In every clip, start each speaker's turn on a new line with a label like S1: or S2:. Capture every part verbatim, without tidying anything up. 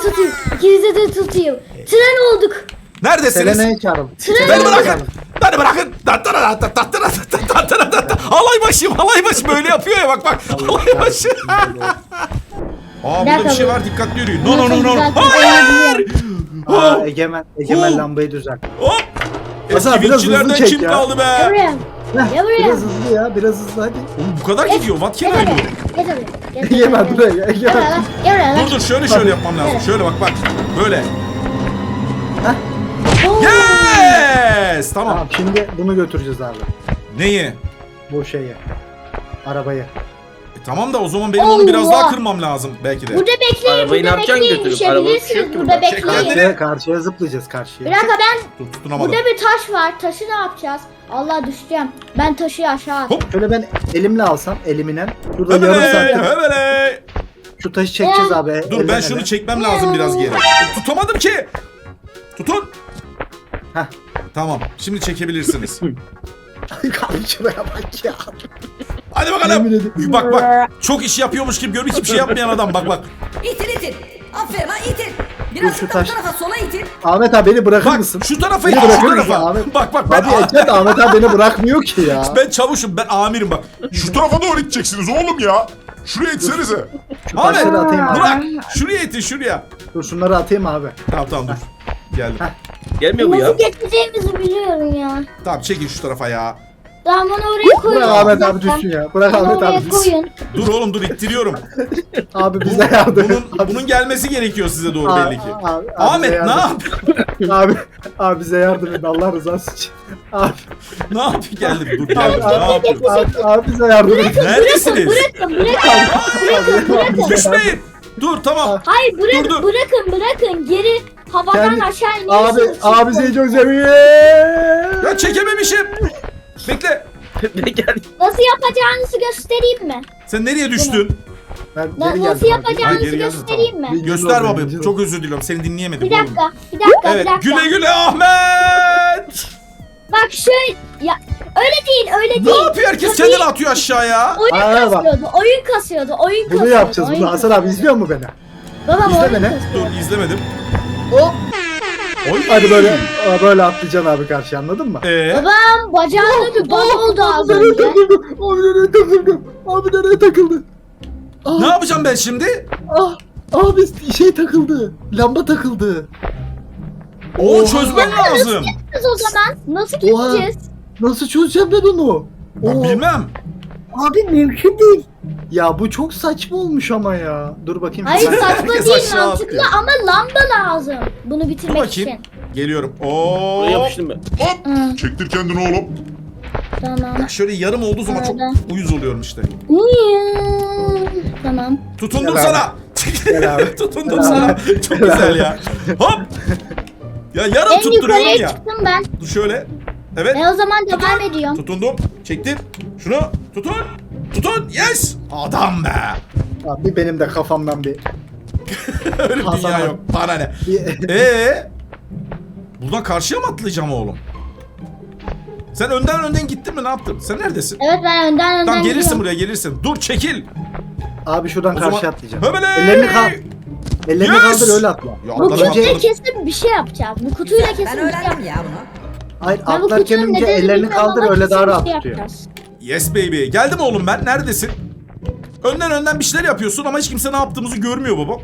S1: tutayım. İkinize de tutayım. Tren olduk.
S2: Neredesiniz?
S3: Selena'yı çağırın.
S1: Tren
S2: Beni
S1: olduk.
S2: bırakın. Beni bırakın. Halay başım, halay başı böyle yapıyor ya bak bak. Halay başı. Aa burada bir şey var, dikkatli yürüyün. No no no no. Hayır.
S3: Aa, Egemen, Egemen
S2: Oh.
S3: lambayı düzelt.
S2: Hop.
S3: Hasan,
S2: Eski
S3: biraz hızlı
S2: vinççilerden
S3: çek
S2: kim
S3: ya.
S2: kaldı
S1: Gel
S2: be?
S1: buraya.
S3: Heh,
S1: Gel buraya.
S3: biraz hızlı ya, biraz hızlı hadi.
S2: Oğlum bu kadar gidiyor. What can I
S1: Gel
S2: do?
S1: buraya. Gel buraya. Gel buraya.
S3: Egemen
S1: Gel
S3: buraya,
S1: Gel
S3: Egemen.
S1: buraya. Gel buraya.
S2: Dur dur şöyle şöyle yapmam lazım. Şöyle bak bak. Böyle.
S1: Oo.
S2: Yes! Tamam.
S3: Tamam, şimdi bunu götüreceğiz abi.
S2: Neyi?
S3: Bu şeyi. Arabayı.
S2: E, tamam da o zaman benim onu biraz
S1: Allah.
S2: daha kırmam lazım belki de.
S1: Burada bekleyin.
S4: Arabayı ne
S1: Burada
S4: yapacaksın
S1: bekleyin.
S4: götürüp? Araba
S1: Düşebilirsiniz.
S4: düşüyor ki
S1: Burada
S4: burada.
S2: Çek
S1: bekleyin.
S2: kendini.
S3: Karşıya, karşıya zıplayacağız karşıya.
S1: Bir dakika ben.
S2: Dur tutunamadım.
S1: Burada bir taş var. Taşı ne yapacağız? Allah düşeceğim. Ben taşı aşağı at.
S2: Hop.
S3: Şöyle ben elimle alsam, eliminen. Şurada yarım
S2: Hebele,
S3: saattir
S2: hebele.
S3: şu taşı çekeceğiz
S1: Ya.
S3: abi.
S2: Dur ben
S3: elden
S2: şunu
S3: ele.
S2: çekmem lazım biraz geri. Tutamadım ki. Tutun.
S3: Heh.
S2: Tamam. Şimdi çekebilirsiniz.
S3: Abi şuraya bak ya.
S2: Hadi
S3: Yemin
S2: bakalım.
S3: ederim.
S2: Bak bak. Çok iş yapıyormuş gibi görünüyor. Hiçbir şey yapmayan adam. Bak bak.
S5: İtil itil. Aferin lan itil.
S3: Dur,
S5: Biraz
S3: şu
S5: şu
S3: taş-
S5: tarafa sola itil.
S3: Ahmet abi beni bırakır
S2: Bak
S3: mısın?
S2: şu tarafa
S3: Beni
S2: it, şu
S3: bırakır mısın
S2: tarafa.
S3: Ahmet?
S2: Bak bak ben
S3: Abi Ecem Ahmet abi beni bırakmıyor ki ya.
S2: ben çavuşum, ben amirim bak.
S6: Şu tarafa doğru iteceksiniz oğlum ya. Şuraya itsenize.
S3: Şu
S2: Ahmet
S3: taşları atayım abi.
S2: bırak. Şuraya itin şuraya.
S3: Dur şunları atayım abi.
S2: Tamam tamam dur. Geldim.
S4: Gelmiyor mu ya?
S1: Nasıl geçeceğimizi biliyorum ya.
S2: Tamam çekin şu tarafa ya.
S1: Tamam onu oraya koyun.
S3: Bırak Ahmet abi düşsün ya. Bırak
S1: Onu
S3: Ahmet
S1: oraya
S3: abi düşsün.
S1: koyun.
S2: Dur oğlum dur ittiriyorum.
S3: Abi bize yardım et.
S2: Bunun, bunun gelmesi gerekiyor size doğru
S3: Abi,
S2: belli ki.
S3: abi, abi
S2: Ahmet
S3: bize
S2: ne
S3: yardım
S2: yap?
S3: et. Abi, abi bize yardım et Allah rızası için. Abi,
S2: Ne yap? Geldim dur
S3: abi,
S2: geldim. Ne
S3: abi,
S2: yapıyorsun?
S3: abi, abi bize yardım et.
S2: Neredesiniz?
S1: Bırakın bırakın.
S3: Abi, abi,
S2: Düşmeyin. Dur tamam.
S1: Hayır bırakın
S2: Dur, dur.
S1: bırakın bırakın. Geri havadan
S3: Kendi-
S1: aşağı
S3: Abi,
S1: iniyorsunuz.
S3: abi seni çok seviyor.
S2: Ya çekememişim. Bekle.
S4: Ne geldi?
S1: Nasıl yapacağınızı göstereyim mi?
S2: Sen nereye düştün?
S3: Ben
S1: Na-
S3: geri
S1: nasıl
S3: geldim abi.
S2: Ha,
S1: yapacağınızı
S2: geri geldin,
S1: göstereyim mi?
S3: Bir-
S2: Göster
S3: oldu,
S2: babam.
S3: bir-
S2: Çok özür diliyorum. Seni dinleyemedim.
S1: Bir
S2: oğlum.
S1: dakika, bir dakika,
S2: Evet.
S1: bir dakika.
S2: Güle güle Ahmet.
S1: Bak şöyle, ya öyle değil, öyle
S2: Ne
S1: değil.
S2: yapıyor? Herkes
S1: Tabii
S2: kendini atıyor aşağıya.
S1: Oyun
S3: Aa, bak.
S1: kasıyordu, oyun kasıyordu, oyun kasıyordu.
S3: Bunu yapacağız
S1: oyun
S3: bunu. Hasan abi izliyor mu beni?
S1: Babam
S3: İzle
S1: oyun
S3: beni.
S1: kasıyordu.
S2: Dur izlemedim.
S3: Hop.
S2: Oy.
S3: Hadi böyle böyle atlayacaksın abi karşı anladın mı?
S2: Ee,
S1: Babam bacağında bir bal oldu az
S3: Abi nereye
S1: önce.
S3: takıldı? Abi nereye takıldı? Abi nereye takıldı? Ah,
S2: ne yapacağım ben şimdi?
S3: ah, abi şey takıldı. Lamba takıldı.
S2: Oo
S3: Oha.
S2: çözmen lazım.
S1: Biz o zaman nasıl
S3: Oha.
S1: gideceğiz?
S3: Nasıl çözeceğim ben onu?
S2: Ben
S3: Oo,
S2: bilmem.
S3: Abi mümkün değil. Ya bu çok saçma olmuş ama ya. Dur bakayım.
S1: Hayır
S3: Bir-
S1: saçma
S2: Herkes
S1: değil
S2: aşağı
S1: mantıklı
S2: atlıyor.
S1: ama lamba lazım. Bunu
S2: Dur
S1: bitirmek
S2: bakayım.
S1: için.
S2: Geliyorum.
S4: Buraya
S2: Oo.
S4: yapıştım ben.
S1: Hı,
S6: Çektir kendini oğlum.
S1: tamam.
S2: Ya şöyle yarım olduğu zaman çok
S1: Nerede?
S2: uyuz oluyorum işte.
S1: Uyuyor. Tamam.
S2: Tutundum
S3: Gel
S2: sana.
S3: Gel abi.
S2: Tutundum
S3: Gel
S2: sana.
S3: abi.
S2: Çok güzel ya. Hop. Ya yarım
S1: En
S2: tutturuyorum
S1: yukarıya
S2: ya.
S1: çıktım ben.
S2: Dur şöyle. Evet.
S1: Ben o zaman devam ediyorum.
S2: Tutundum. Çektim. Şunu tutun. Tutun. Yes. Adam be.
S3: Abi benim de kafamdan bir.
S2: Öyle bir
S3: Hasan
S2: dünya
S3: abi.
S2: yok. Bana ne?
S3: bir
S2: Ee? Buradan karşıya mı atlayacağım oğlum? Sen önden önden gittin mi? Ne yaptın? Sen neredesin?
S1: Evet ben önden önden
S2: Tamam gelirsin
S1: gidiyorum.
S2: buraya gelirsin. Dur çekil.
S3: abi şuradan
S2: O
S3: karşıya
S2: zaman-
S3: atlayacağım.
S2: Höbele!
S3: Ellerini kal. Ellerini
S2: Yes!
S3: kaldır öyle atla.
S2: Ya
S1: Bu
S2: atladım
S3: Önce-
S1: kutuyla
S2: atladım.
S1: kesin bir şey yapacağız. Bu kutuyla
S5: Güzel,
S1: kesin
S5: ben
S1: bir şey
S5: öğrendim
S1: yapacağız.
S5: ya bunu.
S3: Hayır
S1: Ben bu
S3: atlarken
S1: kutunun
S3: önce
S1: nedenini
S3: ellerini
S1: bilmiyorum
S3: kaldır
S1: ama
S3: öyle daha
S1: kesin
S3: rahat
S1: bir şey
S3: tutuyor.
S1: yapacağız.
S2: Yes baby. Geldim oğlum ben. Neredesin? Önden önden bir şeyler yapıyorsun ama hiç kimse ne yaptığımızı görmüyor baba.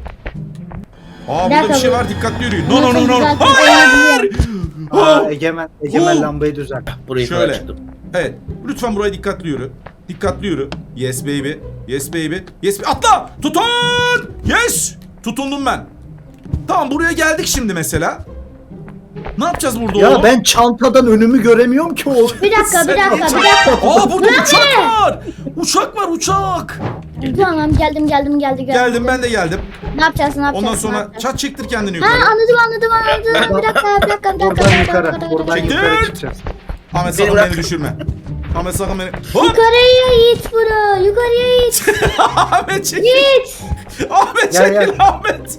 S2: Aa burada bir
S1: dakika,
S2: şey
S1: bu-
S2: var. Dikkatli yürüyün. No no no
S1: Nasıl
S2: no.
S1: güzel
S2: Hayır!
S3: Aa,
S2: Oh!
S3: Egemen, Egemen
S2: Oh!
S3: lambayı düzelt.
S4: Burayı
S2: Şöyle.
S4: kadar çıktım.
S2: Evet. Lütfen buraya dikkatli yürü. Dikkatli yürü. Yes baby. Yes baby. Yes baby. Atla! Tutun! Yes! Tutundum ben. Tamam buraya geldik şimdi mesela. Ne yapacağız burada
S3: Ya
S2: oğlum?
S3: ben çantadan önümü göremiyorum ki oğlum.
S1: Bir dakika
S2: Sen
S1: bir dakika
S2: uçak-
S1: bir dakika.
S2: Aa burada uçak var. Uçak var uçak.
S1: Tamam geldim geldim geldim.
S2: Geldim ben de geldim.
S1: Ne yapacağız ne yapacağız?
S2: Ondan
S1: ne
S2: sonra
S1: yapacağız?
S2: çat çektir kendini
S1: Ha
S2: yukarı.
S1: anladım anladım anladım. Bir dakika bir dakika bir dakika.
S3: Buradan
S1: bir dakika,
S3: yukarı,
S1: bir dakika, bir
S3: buradan
S1: dakika.
S2: Çekil.
S3: yukarı çıkacağız.
S2: Ahmet
S4: Beni
S2: sakın
S4: bırak.
S2: beni düşürme. Ahmet sakın beni. Hop!
S1: Yukarıya it bro. Yukarıya it.
S2: Ahmet çekil.
S1: It.
S2: Ahmet
S3: Gel,
S2: çekil
S3: gel.
S2: Ahmet.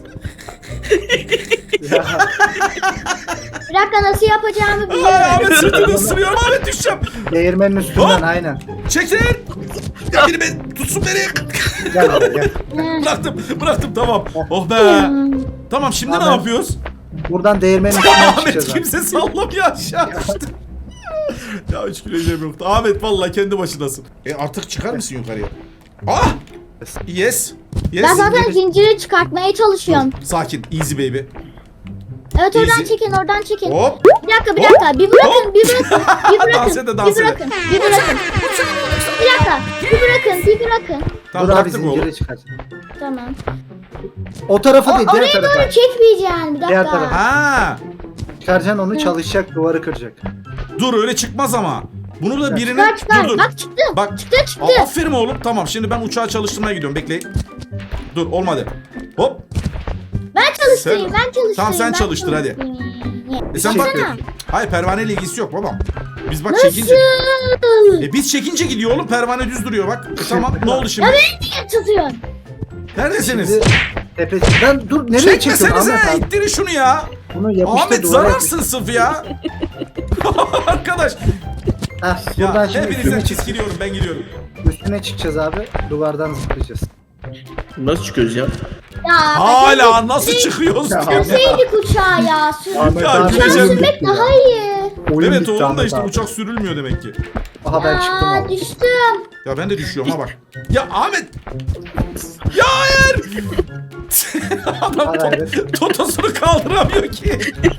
S3: Ya,
S1: Bir dakika nasıl yapacağımı
S2: Aa,
S1: biliyorum.
S2: Ahmet sırtını ısırıyorum. Ahmet düşeceğim.
S3: değirmenin üstünden
S2: Hop.
S3: aynen.
S2: Çekil. Ya biri beni tutsun beni.
S3: Gel abi gel.
S2: Bıraktım bıraktım tamam. Oh be. Tamam şimdi ne
S3: Ahmet.
S2: yapıyoruz?
S3: Buradan değirmenin içinden
S2: Ahmet
S3: çıkacağız abi.
S2: kimse sallamıyor aşağı düştü. Ya üç kilo yiyeceğim yoktu. Ahmet vallahi kendi başınasın. E artık çıkar mısın yukarıya? Ah! Yes. Yes.
S1: Ben zaten zinciri çıkartmaya çalışıyorum.
S2: Sakin. Easy baby.
S1: Evet oradan
S2: Easy.
S1: çekin oradan çekin.
S2: Hop.
S1: Bir dakika bir dakika bir bırakın bir bırakın bir bırakın
S2: Dans ede, dans
S1: bir
S2: ede.
S1: bırakın bir bırakın. Bir dakika bir bırakın bir bırakın.
S2: Tamam
S3: Dur abi
S2: bıraktık oğlum.
S3: zinciri çıkar.
S1: Tamam.
S3: O tarafa değil diğer
S1: Oraya
S3: tarafa.
S1: doğru çekmeyeceksin bir
S3: Diğer
S1: dakika.
S3: tarafa.
S2: Ha.
S3: Çıkaracaksın onu çalışacak duvarı kıracak.
S2: Dur öyle çıkmaz ama. Bunu da birinin...
S1: Çıkar çıkar
S2: Dur dur.
S1: bak çıktı.
S2: Bak.
S1: Çıktı çıktı.
S2: Aa, aferin oğlum. Tamam şimdi ben uçağı çalıştırmaya gidiyorum. Bekleyin. Dur olmadı. Hop.
S1: Ben çalıştırayım
S2: Sen-
S1: ben çalıştırayım.
S2: Tamam, sen
S1: ben
S2: çalıştır, hadi.
S1: çalıştırayım.
S2: E sen bak.
S1: Baksana.
S2: Hayır pervaneyle ilgisi yok babam. Biz bak
S1: Nasıl?
S2: çekince... E biz çekince gidiyor oğlum. Pervane düz duruyor bak. E, tamam ne oldu şimdi?
S1: Niye tutuyorsun?
S2: Neredesiniz?
S3: Şimdi tepesinden dur nereye çekiyorsun
S2: Çekmesenize.
S3: Ahmet abi?
S2: İttirin şunu ya.
S3: Bunu yapıştır
S2: Ahmet
S3: duvara.
S2: zararsın sırf ya. Arkadaş.
S3: Heh,
S2: Ya
S3: buradan şimdi
S2: hepinizden
S3: üstüne, çık
S2: çizgiliyorum ben gidiyorum.
S3: üstüne çıkacağız abi. Duvardan zıplayacağız.
S4: Nasıl çıkıyoruz ya?
S1: Ya
S2: Hala nasıl çıkıyoruz
S3: Ya,
S2: diye.
S1: Sürseydik uçağı ya. Sür.
S3: Ahmet
S2: Ya,
S3: abi
S2: güneşe-
S3: oyun
S1: Sürmek
S3: bitti
S1: daha
S3: ya.
S1: iyi.
S3: Oyun
S2: Evet
S3: bitti
S2: oğlum da
S3: Ahmet
S2: işte
S3: abi.
S2: uçak sürülmüyor demek ki.
S3: Aha ben çıktım
S1: Aa,
S3: abi.
S1: düştüm.
S2: Ya ben de düşüyorum ha bak. Ya Ahmet. Ya hayır. Adam
S3: Hadi, hadi.
S2: to- totosunu kaldıramıyor ki.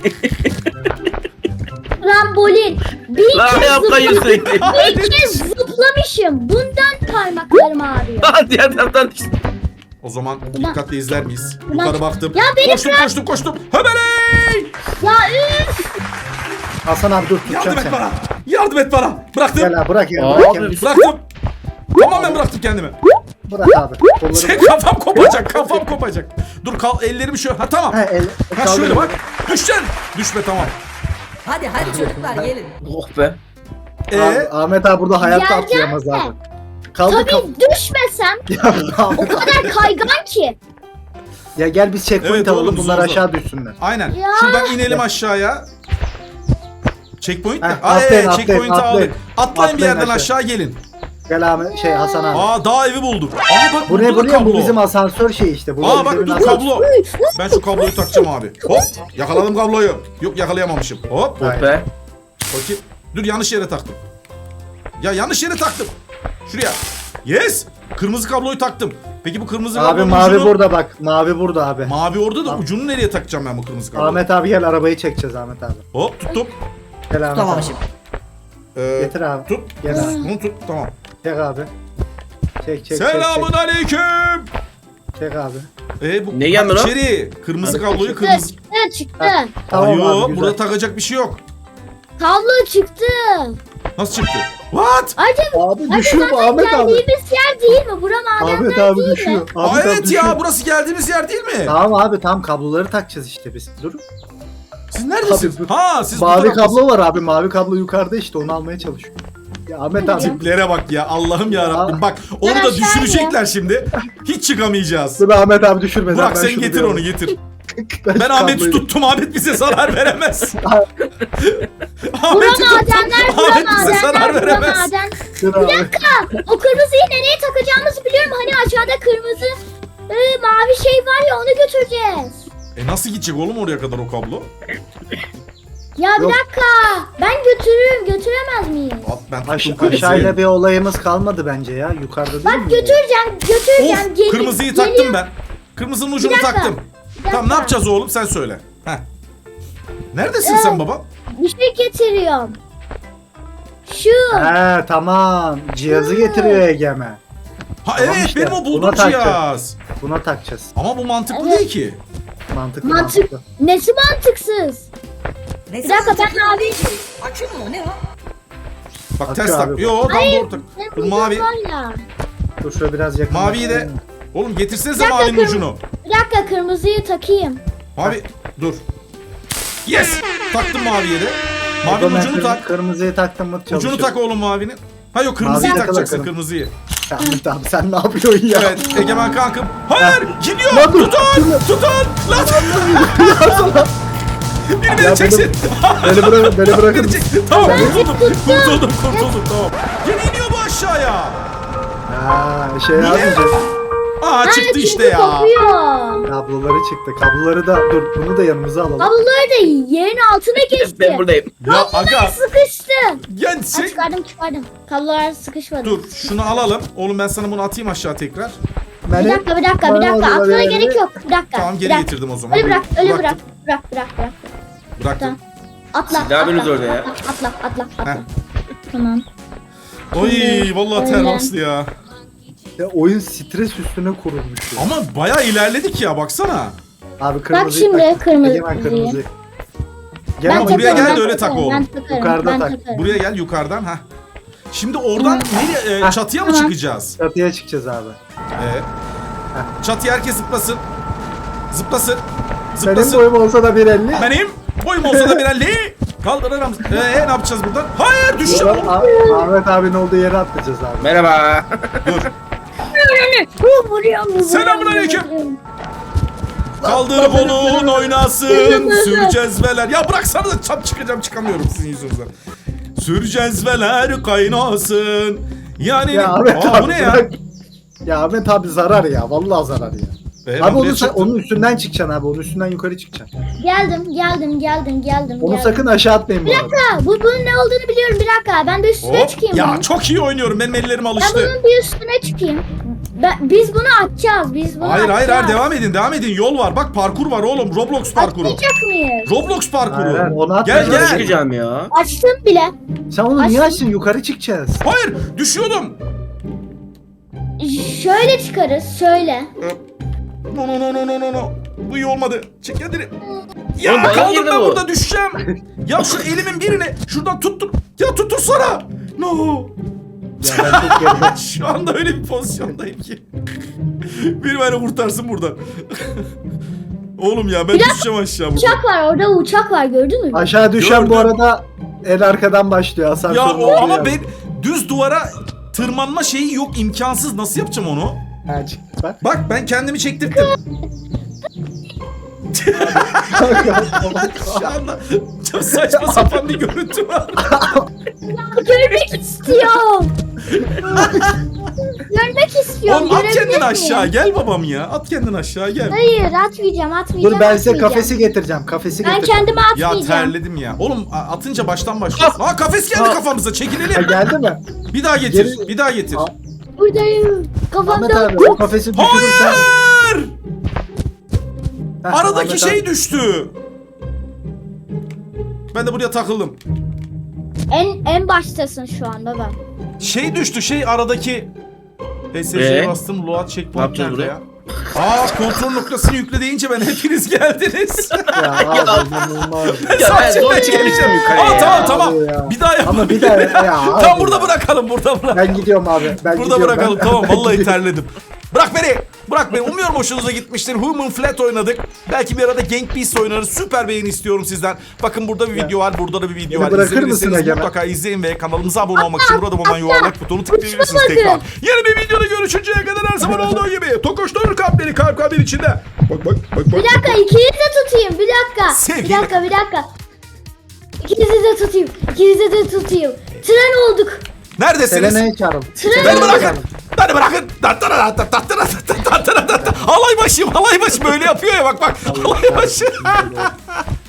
S1: Trambolin. Bir
S4: Lan
S1: kez,
S4: ayağım
S1: zıpla-
S4: kayıyor sürekli.
S1: bir kez zıplamışım. Bundan parmaklarım ağrıyor.
S4: Diğer taraftan düştüm.
S2: O zaman dikkatle izler miyiz?
S1: Ulan-
S2: Yukarı baktım.
S1: Ya beni
S2: koştum koştum koştum. Hemeley!
S1: Ya üf.
S3: Hasan abi dur
S2: Yardım
S3: tutacağım
S2: et
S3: seni.
S2: bana. Yardım et bana. Bıraktım.
S3: Gel abi bırak ya.
S4: Abi.
S3: Bırak, ya.
S2: Bıraktım. Tamamen bıraktım kendimi.
S3: Bırak abi. Kolları
S2: Şey,
S3: bırak.
S2: kafam kopacak, kafam kopacak. Dur kal ellerimi şöyle. Ha tamam.
S3: Ha, el,
S2: Ha
S3: kaldır
S2: şöyle
S3: beni.
S2: bak. Düşeceksin. Düşme tamam.
S5: Hadi hadi çocuklar gelin.
S4: Oh be.
S2: Ee,
S3: Abi, Ahmet abi burada hayatta
S1: Geleceğim
S3: atlayamaz
S1: de.
S3: abi. Kaldır kal.
S1: Tabii düşmesem
S3: Ya,
S1: o kadar kaygan ki.
S3: ya gel biz checkpoint
S2: Evet
S3: alalım
S2: oğlum,
S3: bunlar
S2: zor, zor.
S3: aşağı düşsünler.
S2: aynen.
S1: Ya.
S2: Şuradan inelim aşağıya. Checkpoint mi?
S3: Heh,
S2: Aa,
S3: atlayın,
S2: ee,
S3: atlayın,
S2: checkpoint'i
S3: atlayın.
S2: aldık. Atlayın bir
S3: Atlayın
S2: yerden
S3: aşağı.
S2: aşağı gelin.
S3: Gel Ahmet şey Hasan abi.
S2: Aa dağ evi bulduk. Aa bak
S3: Bu ne
S2: burada
S3: bu
S2: da
S3: ne bu
S2: kablo.
S3: bizim asansör şey işte. Bu
S2: Aa bak
S3: bizim
S2: dur
S3: asansör.
S2: kablo. Ben şu kabloyu takacağım abi. Hop yakaladım kabloyu. Yok yakalayamamışım. Hop.
S3: Aynen.
S4: Be.
S2: Bakayım. Dur yanlış yere taktım. Ya yanlış yere taktım. Şuraya. Yes. Kırmızı kabloyu taktım. Peki bu kırmızı
S3: Abi
S2: kablonun
S3: mavi
S2: ucunu...
S3: burada bak. Mavi burada abi.
S2: Mavi orada da ucunu nereye takacağım ben bu kırmızı kabloyu?
S3: Ahmet abi gel arabayı çekeceğiz Ahmet abi.
S2: Hop tuttum.
S3: Gel Ahmet
S5: Tamam
S3: abi.
S5: şimdi.
S2: Ee,
S3: Getir abi.
S2: Tut.
S3: Gel abi.
S2: Bunu tut tamam.
S3: Çek abi. Çek çek
S2: Selamun
S3: çek.
S2: aleyküm.
S3: Çek, çek abi.
S2: Ee, bu
S4: Ne geldi lan?
S2: içeri. Kırmızı kabloyu
S1: Çıktı
S2: kırmızı.
S1: çıktı çıktı.
S3: Tamam
S2: Ayo,
S3: abi güzel.
S2: burada takacak bir şey yok.
S1: Kablo çıktı.
S2: Nasıl çıktı? What?
S1: Acaba
S3: Abi
S1: acaba
S3: düşüyor bu
S1: zaten
S3: Ahmet abi.
S1: geldiğimiz yer değil mi? Bura madenler
S3: Ahmet abi
S1: değil mi?
S3: düşüyor.
S2: Aa,
S3: Ahmet abi
S2: evet
S3: düşüyor.
S2: ya burası geldiğimiz yer değil mi?
S3: Tamam abi tamam kabloları takacağız işte biz. Dur.
S2: Siz neredesiniz?
S3: Abi,
S2: Ha siz bu
S3: Mavi
S2: taraftasınız.
S3: kablo var abi. Mavi kablo yukarıda işte onu almaya çalışıyor. Ya Ahmet abi.
S2: Tiplere bak ya Allah'ım ya Rabbim. Bak onu
S1: Ben
S2: da
S1: aşağı
S2: düşürecekler şimdi. Hiç çıkamayacağız.
S3: Dur Ahmet abi düşürmeden.
S2: Burak
S3: ben
S2: sen
S3: şunu
S2: getir
S3: bir
S2: onu
S3: alayım.
S2: getir.
S3: Ben
S2: Ben
S3: şu
S2: Ahmet'i
S3: kabloyu-
S2: tuttum. Ahmet bize zarar veremez.
S1: Bura
S2: Ahmet'i tuttum.
S1: madenler, bura
S2: Ahmet bize zarar
S1: madenler, bura
S2: veremez.
S1: maden.
S3: Dur
S1: Bir
S3: abi.
S1: dakika. O kırmızıyı nereye takacağımızı biliyorum. Hani aşağıda kırmızı e, mavi şey var ya onu götüreceğiz.
S2: E nasıl gidecek oğlum oraya kadar o kablo?
S1: Ya bir
S3: Yok.
S1: dakika. Ben götürürüm. Götüremez miyim?
S2: At ben tuttum
S3: Aş
S2: kırmızıyı.
S3: aşağıyla bir olayımız kalmadı bence ya. Yukarıda değil
S1: Bak
S3: mi?
S1: götüreceğim. Götüreceğim.
S2: Of
S1: Gel-
S2: kırmızıyı
S1: geliyor.
S2: taktım ben. Kırmızının ucunu
S1: Bir dakika,
S2: taktım.
S1: bir
S2: Tamam ne
S1: dakika.
S2: yapacağız oğlum sen söyle. Heh. Neredesin
S1: Ee,
S2: sen baba?
S1: Bir şey getiriyorum. Şu.
S3: He tamam. Cihazı getiriyor Egemen.
S2: Ha
S3: tamam
S2: evet
S3: işte,
S2: benim o
S3: buna
S2: bulduğum
S3: takacağız.
S2: cihaz.
S3: Buna takacağız.
S2: Ama bu mantıklı
S1: Evet.
S2: değil ki.
S3: Mantıklı
S1: Mantık.
S3: mantıklı.
S1: Nesi mantıksız?
S5: Ne
S1: Bir dakika, ben
S5: mavi.
S1: mavi-
S5: Akü mü o ne o?
S2: Bak
S3: Bak
S2: ters
S3: abi,
S2: tak.
S3: bak.
S2: Yo tam
S1: Hayır.
S2: doğru tak.
S1: Benim
S2: Dur
S1: bildiğim
S2: mavi.
S1: var ya.
S3: Dur şöyle biraz yakın.
S2: Maviyi de. Oğlum getirsenize
S1: Bir dakika,
S2: mavinin
S1: kırm-
S2: ucunu.
S1: Bir dakika kırmızıyı takayım.
S2: Mavi dur. Yes. Taktım maviye de. Mavinin
S3: Mavinin
S2: ucunu tak.
S3: Kırmızıyı taktım mı çalışıyor.
S2: Ucunu tak oğlum mavinin. Ha yok kırmızıyı
S3: Maviyi
S2: takacaksın
S3: takalım.
S2: kırmızıyı.
S3: Ahmet abi sen ne yapıyorsun ya?
S2: Evet Egemen kankım. Hayır gidiyor.
S3: Lan dur,
S2: Tutun.
S3: dur.
S2: Tutun. Lan. Biri
S3: Ya
S2: beni çeksin.
S3: Beni bırak, beni
S2: Beni
S3: bırakın.
S2: çek. Tamam kurtuldum. Kurtuldum kurtuldum tamam. Gene iniyor bu aşağıya.
S3: Ha şey yapmayacağız.
S2: Aa çıktı
S1: çünkü
S2: işte ya.
S1: kopuyor.
S3: Kabloları çıktı. Kabloları da dur bunu da yanımıza alalım.
S1: Kabloları da yerin altına geçti.
S4: Ben buradayım.
S2: Ya aga
S1: Sıkıştı.
S2: yani
S1: Ha,
S2: sen...
S1: çıkardım çıkardım. Kablolar sıkışmadı.
S2: Dur şunu alalım. Oğlum ben sana bunu atayım aşağı tekrar.
S1: Bir
S3: Beni-
S1: dakika bir dakika bir
S3: bana
S1: dakika.
S3: o zaman
S1: Atmana
S3: verelim.
S1: gerek yok. Bir dakika.
S2: Tamam geri
S1: bir dakika.
S2: getirdim o zaman.
S1: Öyle bırak öyle
S2: Bıraktım,
S1: bırak. Bırak bırak bırak.
S2: Bıraktım.
S1: Tamam. Atla.
S4: Siz ne yapıyorsunuz
S1: atla,
S4: orada ya?
S1: Atla atla atla.
S2: Heh.
S1: Tamam.
S2: Oy vallahi ter
S1: Öyle.
S2: bastı ya.
S3: Ya, oyun stres üstüne kurulmuş. Ya.
S2: Ama bayağı ilerledik ya baksana.
S3: Abi kırmızıyı
S1: şimdi
S3: tak.
S1: kırmızı-
S3: Egemen kırmızıyı. Gel
S1: Ben
S3: ama
S2: buraya
S1: takarım,
S2: gel
S1: ben
S2: de öyle tak
S1: takarım,
S2: oğlum.
S1: Ben takarım,
S3: Yukarıda
S1: ben
S3: tak.
S1: takarım.
S2: Buraya gel yukarıdan ha. Şimdi oradan nereye e,
S3: Heh.
S2: çatıya mı
S1: Tamam.
S2: çıkacağız?
S3: çatıya çıkacağız abi.
S2: Ee, çatıya herkes zıplasın. Zıplasın.
S3: Benim
S2: Zıplasın.
S3: boyum olsa da bir elli.
S2: Benim boyum olsa da bir elli. Kaldırırım. Ee, ne yapacağız buradan? Hayır düşeceğim.
S3: Ah- Ahmet abinin olduğu yere atlayacağız abi.
S4: Merhaba.
S2: Dur.
S1: Vuruyor, vuruyor, vuruyor,
S2: Selamünaleyküm.
S1: vuruyor.
S2: Kaldır kolun oynasın. Sür cezveler. Ya bıraksanıza çap çıkacağım çıkamıyorum sizin yüzünüzden. Sür cezveler kaynasın. Yani
S3: Ya Ahmet
S2: aa,
S3: abi
S2: bu ne ya?
S3: bırak. Ya Ahmet abi zarar ya. Vallahi zarar ya.
S2: Ee, ben
S3: abi
S2: buraya
S3: onu sen,
S2: çıktım.
S3: onun üstünden çıkacaksın abi. Onun üstünden yukarı çıkacaksın.
S1: Geldim, geldim, geldim, geldim.
S3: Onu
S1: geldim.
S3: sakın aşağı atmayın bu
S1: Bir
S3: arada.
S1: dakika, bu bunun ne olduğunu biliyorum. Bir dakika, ben de üstüne
S2: Hop.
S1: çıkayım.
S2: Ya
S1: bunun.
S2: çok iyi oynuyorum. Benim ellerim
S1: Ben
S2: alıştı.
S1: bunun bir üstüne çıkayım. Ben, biz bunu atacağız, biz bunu
S2: Hayır hayır hayır
S1: atacağız.
S2: devam edin devam edin. Yol var. Bak parkur var oğlum. Roblox parkuru.
S1: Atmayacak mıyız?
S2: Roblox parkuru.
S3: Hayır, hayır, onu atma.
S2: Gel
S4: Nasıl
S2: gel.
S4: çıkacağım ya?
S1: Açtım bile.
S3: Sen onu niye
S1: Aç-
S3: açtın? Yukarı çıkacağız.
S2: Hayır düşüyordum.
S1: Şöyle çıkarız, şöyle.
S2: No no no no no no no. Bu iyi olmadı. Çek kendini. Ya
S4: Oğlum, bana
S2: kaldım
S4: girdi
S2: ben
S4: bu.
S2: burada düşeceğim. Ya şu elimin birini şuradan tuttur. Ya tuttursana. No.
S3: Ya ben çok geride.
S2: Şu anda öyle bir pozisyondayım ki. Biri beni kurtarsın buradan. Oğlum ya ben düşeceğim aşağı buradan.
S1: Uçak var, orada uçak var, gördün mü?
S3: Aşağı düşen bu
S2: Gördüm.
S3: arada en arkadan başlıyor. Asansörün
S2: Ya
S3: olduğu
S2: o ama
S3: yer.
S2: ben düz duvara tırmanma şeyi yok, imkansız. Nasıl yapacağım onu?
S3: Ha, çıktı bak.
S2: Bak ben kendimi çektirdim. Şu anda çok saçma sapan bir görüntü var.
S1: Görmek istiyorum. Görmek istiyorum.
S2: Oğlum at
S1: görebilir
S2: kendini
S1: miyim?
S2: aşağı gel babam ya. At kendini aşağı gel.
S1: Hayır, atmayacağım, atmayacağım.
S3: Dur ben size
S1: atmayacağım.
S3: kafesi getireceğim. Kafesi
S1: Ben
S3: getireceğim.
S1: kendime
S2: Ya
S1: atmayacağım.
S2: terledim ya. Oğlum a- atınca baştan başlıyorsun. Aa kafes geldi
S3: Ha.
S2: kafamıza
S3: Ha,
S2: çekilelim.
S3: geldi mi?
S2: Bir daha getir.
S3: Geri-
S2: Bir daha getir.
S3: Aa.
S1: Buradayım.
S3: Ahmet
S1: Kafamda.
S3: abi o kafesi düşürürsen.
S2: Hayır!
S3: Heh,
S2: Aradaki
S3: Ahmet
S2: şey
S3: abi-
S2: düştü. Ben de buraya takıldım.
S1: En en baştasın şu an baba.
S2: Şey düştü şey aradaki. P S C'ye
S4: Ee?
S2: bastım. Load
S4: Ne
S2: checkpoint
S4: yapacağız
S2: nerede
S4: buraya?
S2: ya? Aa kontrol noktasını yükle deyince ben hepiniz geldiniz.
S3: Ya abi inanılmaz.
S4: Ya ben
S2: Saçma
S4: zor
S2: ya.
S4: çıkabileceğim yukarıya
S2: Aa
S4: ya.
S2: tamam tamam.
S3: Abi ya.
S2: Bir daha yapalım.
S3: Ama bir daha ya. abi
S2: Tamam burada
S3: ya.
S2: bırakalım burada bırak.
S3: Ben gidiyorum abi. Ben
S2: Burada
S3: gidiyorum.
S2: bırakalım
S3: Ben-
S2: tamam
S3: ben
S2: vallahi
S3: gidiyorum.
S2: terledim. Bırak beni. Bırak beni. Umuyorum hoşunuza gitmiştir. Human Flat oynadık. Belki bir arada Gang Beasts oynarız. Süper beğeni istiyorum sizden. Bakın burada bir video var. Burada da bir video
S3: Beni
S2: var.
S3: bırakır
S2: İzlemediyseniz
S3: mısın Egemen?
S2: mutlaka izleyin ve kanalımıza abone olmak için burada bulunan yuvarlak butonu tıklayabilirsiniz
S1: Uçmadı.
S2: tekrar. Yeni bir videoda görüşünceye kadar her zaman olduğu gibi. Tokoşturur kalpleri kalp kalpleri içinde. Bak bak bak bak.
S1: Bir dakika ikinizi de tutayım. Bir dakika.
S2: Sevgili-
S1: Bir dakika bir dakika. İkinizi de tutayım. İkinizi de tutayım. Tren olduk.
S2: Neredesiniz?
S3: Selena'yı çağırın.
S1: Tren
S2: Beni
S1: olduk.
S2: bırakın. Beni bırakın. Tattara tattara tattara tattara tattara. Halay başım halay başı böyle yapıyor ya bak bak. Halay başı.